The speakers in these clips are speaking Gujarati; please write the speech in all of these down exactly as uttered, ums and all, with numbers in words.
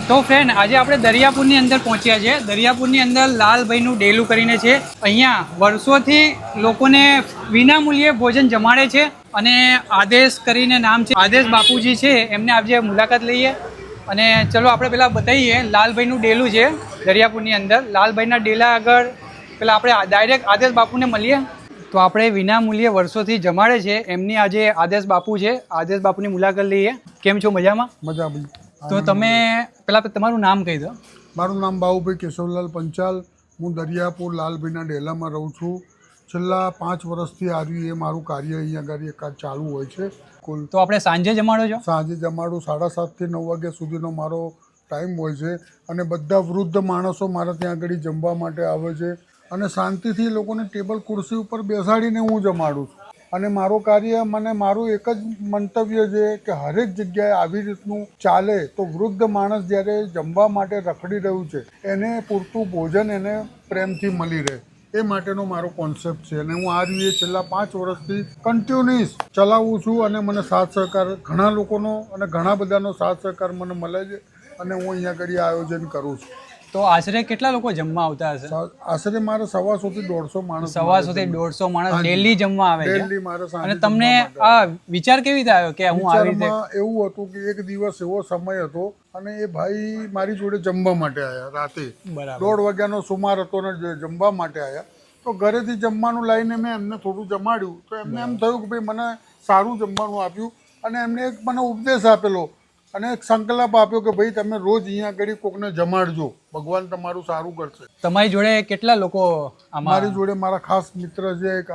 તો ફ્રેન્ડ આજે આપણે દરિયાપુરની અંદર પહોંચ્યા છે. દરિયાપુરની અંદર લાલભાઈનું ડેલું કરીને છે. અહીંયા વર્ષોથી લોકોને વિનામૂલ્યે ભોજન જમાડે છે અને આદેશ કરીને નામ છે, આદેશ બાપુજી છે, એમને આજે મુલાકાત લઈએ અને ચલો આપણે પેલા બતાવીએ. લાલભાઈનું ડેલું છે દરિયાપુરની અંદર. લાલભાઈના ડેલા આગળ પેલા આપણે ડાયરેક્ટ આદેશ બાપુને મળીએ. તો આપણે વિનામૂલ્યે વર્ષોથી જમાડે છે એમની આજે આદેશ બાપુ છે. આદેશ બાપુની મુલાકાત લઈએ. કેમ છો? મજામાં? મજા ભાઈ. તો તમે પેલા તમારું નામ કહી દો. મારું નામ બાબુભાઈ કેશવલાલ પંચાલ. હું દરિયાપુર લાલભાઈના ડેલામાં રહું છું. છેલ્લા પાંચ વર્ષથી આવ્યું એ મારું કાર્ય અહીંયા આગળ એક ચાલુ હોય છે. કુલ તો આપણે સાંજે જમાડો છો? સાંજે જમાડું સાડા સાતથી નવ વાગ્યા સુધીનો મારો ટાઈમ હોય છે અને બધા વૃદ્ધ માણસો મારા ત્યાં આગળ જમવા માટે આવે છે અને શાંતિથી લોકોને ટેબલ ખુરશી ઉપર બેસાડીને હું જમાડું છું. અને મારું કાર્ય મને મારું એક જ મંતવ્ય છે કે હરેક જગ્યાએ આવી રીતનું ચાલે તો વૃદ્ધ માણસ જ્યારે જમવા માટે રખડી રહ્યું છે એને પૂરતું ભોજન એને પ્રેમથી મળી રહે એ માટેનો મારો કોન્સેપ્ટ છે. અને હું આ રીતે છેલ્લા પાંચ વર્ષથી કન્ટિન્યુઅસ ચલાવું છું અને મને સાથ સહકાર ઘણા લોકોનો અને ઘણા બધાનો સાથ સહકાર મને મળે છે અને હું અહીંયા આગળ આયોજન કરું છું. તો આશરે કેટલા લોકો જમવા આવતા હશે? આશરે મારે સવાસો થી દોઢસો માણસ સવાસો થી દોઢસો માણસ ડેલી જમવા આવે છે. ડેલી મારે અને તમને આ વિચાર કેવી રીતે આવ્યો કે હું આવી રીતે? એવું હતું કે એક દિવસ એવો સમય હતો અને એ ભાઈ મારી જોડે જમવા માટે આવ્યા રાતે દોઢ વાગ્યાનો સુમાર હતો ને જમવા માટે આવ્યા. તો ઘરેથી જમવાનું લાવીને મેં એમને થોડું જમાડ્યું તો એમને એમ થયું કે ભાઈ મને સારું જમવાનું આપ્યું અને એમને એક મને ઉપદેશ આપેલો અને એક સંકલ્પ આપ્યો કે ભાઈ તમે રોજ અહીંયા આગળ કોકને જમાડજો, ભગવાન તમારું સારું કરશે. તમારી જોડે કેટલા લોકો? મારી જોડે મારા ખાસ મિત્ર છે એક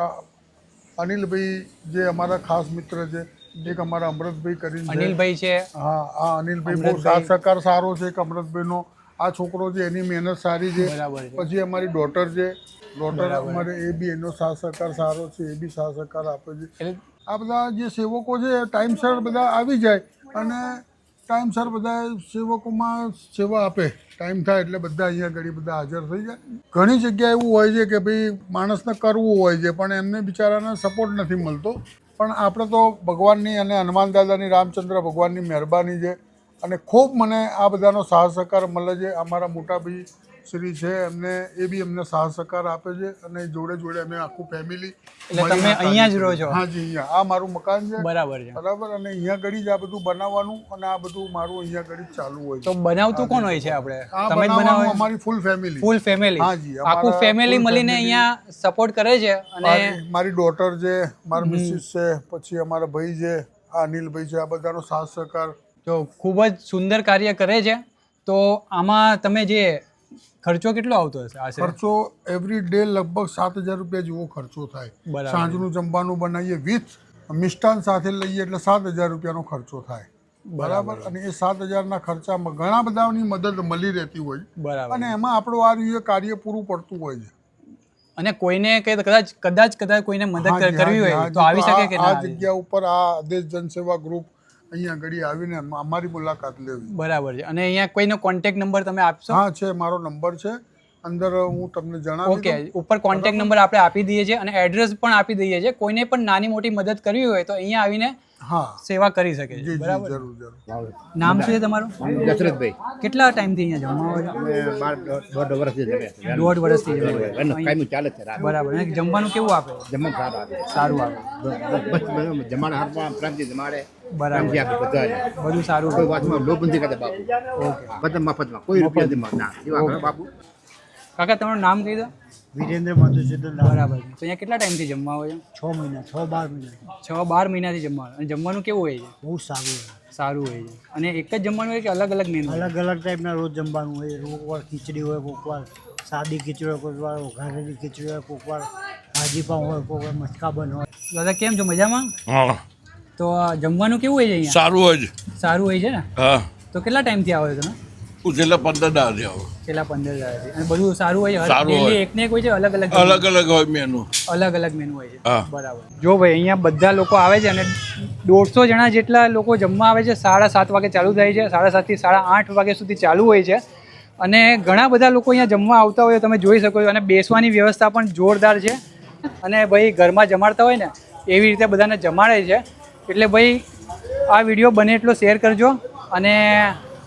અનિલભાઈ, જે અમારા ખાસ મિત્ર છે. એક અમારા અમૃતભાઈ કરીને અનિલભાઈ છે. હા હા અનિલભાઈ બહુ સાથ સહકાર સારો છે. એક અમૃતભાઈનો આ છોકરો છે એની મહેનત સારી છે. પછી અમારી ડોટર છે, ડોટર અમારે એ બી એનો સાથ સહકાર સારો છે, એ બી સાથ સહકાર આપે છે. આ બધા જે સેવકો છે ટાઈમસર બધા આવી જાય અને ટાઈમસર બધા સેવકોમાં સેવા આપે. ટાઈમ થાય એટલે બધા અહીંયા ઘડી બધા હાજર થઈ જાય. ઘણી જગ્યાએ એવું હોય છે કે ભાઈ માણસને કરવું હોય છે પણ એમને બિચારાને સપોર્ટ નથી મળતો. પણ આપણે તો ભગવાનની અને હનુમાન દાદાની, રામચંદ્ર ભગવાનની મહેરબાની છે અને ખૂબ મને આ બધાનો સાથ સહકાર મળે છે. અમારા મોટા ભાઈ શ્રી છે એમને એ બી અમને સાથ સહકાર આપે છે અને જોડે જોડે અમે આખું ફેમિલી. એટલે તમે અહીંયા જ રહો છો? હા જી, અહીંયા આ મારું મકાન છે. બરાબર છે. બરાબર. અને અહીંયા ઘડી જ આ બધું બનાવવાનું અને આ બધું મારું અહીંયા ઘડી ચાલુ હોય છે. તો બનાવતું કોણ હોય છે? આપણે તમે જ બનાવો? અમારી ફૂલ ફેમિલી. Full family? હા જી, આખું ફેમિલી મળીને અહીંયા સપોર્ટ કરે છે. અને મારી ડોટર છે, મારા મિસિસ છે, પછી અમારા ભાઈ છે, આ અનિલભાઈ છે, આ બધાનો સાથ સહકાર. તો ખૂબ જ સુંદર કાર્ય કરે છે. તો આમાં તમે જે ખર્ચો કેટલો આવતો હશે? ખર્ચો એવરી ડે લગભગ સાત હજાર રૂપિયા જેવો ખર્ચો થાય. સાંજનું જમવાનું બનાવીએ વિથ મિષ્ટાન સાથે લઈએ એટલે સાત હજાર રૂપિયાનો ખર્ચો થાય. બરાબર. અને એ સાત હજારના ખર્ચામાં ઘણા બધાની મદદ મળી રહેતી હોય અને એમાં આપણું આ રીતે કાર્ય પૂરું પડતું હોય છે. અને કોઈને કદાચ કદાચ કદાચ કોઈને મદદ કરવી હોય તો આવી શકે કે આ જગ્યા ઉપર આ આદેશ જનસેવા ગ્રુપ અહીંયા ઘડી આવીને અમારી મુલાકાત લેવી. બરાબર છે. અને અહીંયા કોઈનો કોન્ટેક્ટ નંબર તમે આપશો? હા છે, મારો નંબર છે અંદર, હું તમને જણાવી. ઓકે, ઉપર કોન્ટેક્ટ નંબર આપણે આપી દઈએ છીએ અને એડ્રેસ પણ આપી દઈએ છીએ. કોઈને પણ નાની મોટી મદદ કરવી હોય તો અહીંયા આવીને હા સેવા કરી શકે છે. બરાબર. જરૂર જરૂર. નામ શું છે તમારું? દશરથભાઈ. કેટલા ટાઈમથી અહીંયા જમવા આવો છો? દોઢ વર્ષથી જમે. દોઢ વર્ષથી જમે. કાયમી ચાલે છે. બરાબર. અને જમવાનું કેવું આપે? જમવાનું સારું આપે. સારું આપે. બસ જમાડે હાથમાં પ્રેમથી જમાડે. બરાબર. બધું સારું. કોઈ વાતમાં લોભ નથી કરતા બાપુ. બધા મફતમાં, કોઈ રૂપિયા ના એવા બાપુ. કાકા તમારું નામ કહી દો. વિરેન્દ્ર મધુસૂદન. બરાબર. તો અહીંયા કેટલા ટાઈમથી જમવા આવો છો? છ મહિના છ બાર મહિના છ બાર મહિનાથી જમવાનું. અને જમવાનું કેવું હોય છે? બહુ સારું હોય. સારું હોય છે. અને એક જ જમવાનું હોય કે અલગ અલગ મેનુ? અલગ અલગ ટાઈપના રોજ જમવાનું હોય. કોકવાર ખીચડી હોય, કોકવાર સાદી ખીચડી હોય, કોકવાર ઘારેલી ખીચડી હોય, કોકવાર ભાજી પાઉં હોય, કોકવાર મટકા બન હોય. દાદા કેમ છો? મજામાં? હા. તો જમવાનું કેવું હોય છે અહીંયા? સારું હોય છે. સારું હોય છે ને? હા. તો કેટલા ટાઈમથી આવો છો તમે? હું છેલ્લા પંદર દાડાથી આવું. છેલ્લા પંદર દાડાથી. અને બધું સારું હોય છે? સારું હોય. એક ને એક હોય છે? અલગ અલગ અલગ અલગ હોય મેનુ. અલગ અલગ મેનુ હોય છે. હા. બરાબર. જો ભાઈ અહીંયા બધા લોકો આવે છે અને દોઢસો જણા જેટલા લોકો જમવા આવે છે. સાડા સાત વાગે ચાલુ થાય છે. સાડા સાતથી સાડા આઠ વાગ્યા સુધી ચાલુ હોય છે. અને ઘણા બધા લોકો અહીંયા જમવા આવતા હોય તમે જોઈ શકો છો. અને બેસવાની વ્યવસ્થા પણ જોરદાર છે. અને ભાઈ ઘરમાં જમાડતા હોય ને એવી રીતે બધાને જમાડે છે. એટલે ભાઈ આ વિડીયો બને એટલો શેર કરજો અને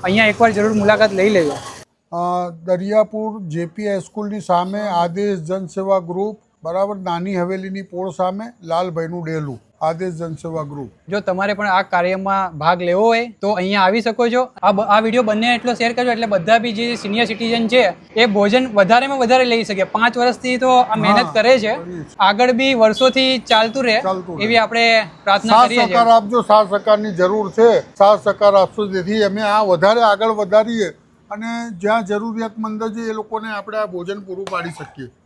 અહીંયા એકવાર જરૂર મુલાકાત લઈ લેજો. અ, દરિયાપુર જેપી હાઈસ્કૂલની સામે આદેશ જનસેવા ગ્રુપ, બરાબર, નાની હવેલીની પોળ સામે લાલભાઈનું ડેલું, આદેશ જનસેવા ગ્રુપ. જો તમારે પણ આ કાર્યમાં ભાગ લેવો હોય તો અહીંયા આવી શકો છો. આ બ- આ વિડીયો બંને એટલો શેર કરજો એટલે બધા બી જે સિનિયર સિટીઝન છે એ ભોજન વધારેમાં વધારે લઈ શકે. પાંચ વર્ષથી તો આ મહેનત હા, કરે છે, કરીએ છીએ. આગળ બી વર્ષોથી ચાલતું રહે ચાલતું રહે. એવી આપણે પ્રાર્થના સાથ કરીએ સહકાર છીએ. આપજો, સાથ સહકારની જરૂર છે, સાથ સહકાર આપશો જેથી અમે આ વધારે આગળ વધારીએ અને જ્યાં જરૂરિયાતમંદ છે એ લોકોને આપણે આ ભોજન પૂરું પાડી શકીએ.